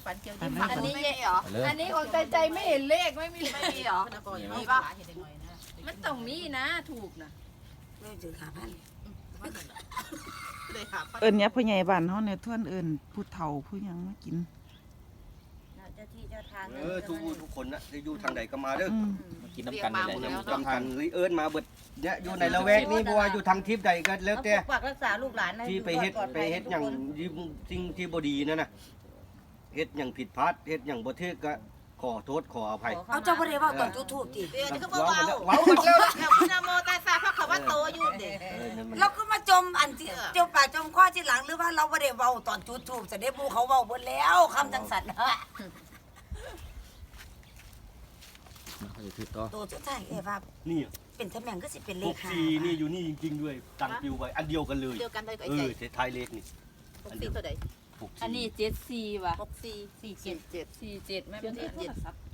ฝันเกี่ยวยิ้มฝันอันนี้เหรออันนี้ของใจไม่เห็นเลขไม่มีไม่มีเหรอมีป่ะมันต้องมีนะถูกนะไม่ถึง5,000 เลยค่ะเอิ้นเนี่ยพ่อใหญ่บ้านเฮาเนี่ยทวนเอิ้นผู้เฒ่าผู้หยังมากินเจ้าที่เจ้าทางทุกคนนะที่อยู่ทางใดก็มาเด้อมากินน้ำกันนี่แหละจำกันเอิ้นมาเบิดเนี่ยอยู่ในละแวกนี้บ่ว่าอยู่ทางทิพย์ใดก็แล้วแต่ฝากรักษาลูกหลานนะที่ไปเฮ็ดอย่างสิ่งที่บ่ดีนั่นน่ะเฮ็ดอย่างผิดพลาดเฮ็ดอย่างบ่ถูกก็ขอโทษขออภัยเอาเจ้าบ่ได้ว่าตอนจุดธูปติเดี๋ยวจะก็เบาเว้าหมดแล้วๆแล้วคุณโมตาซาพระเขาว่าโตอยู่เด็กเราก็มาจมอันที่เจ้าป่าจมข้อที่หลังหรือว่าเราบ่ได้เว้าตอนจุดธูปจะได้บูเขาเว้าเบิดแล้วคำจังสันนะเขาจะถือต่อตัวสุดท้ายว่านี่เป็นตำแหน่งก็สิเป็นเลข5 64นี่อยู่นี่จริงๆด้วยตั้งปิวไว้อันเดียวกันเลยเดียวกันเลยกับไอ้เทท้ายเลขนี่ 64ตัวใด 64 อันนี้74ว่ะ 64 47 47แม่เป็นโทรศัพท์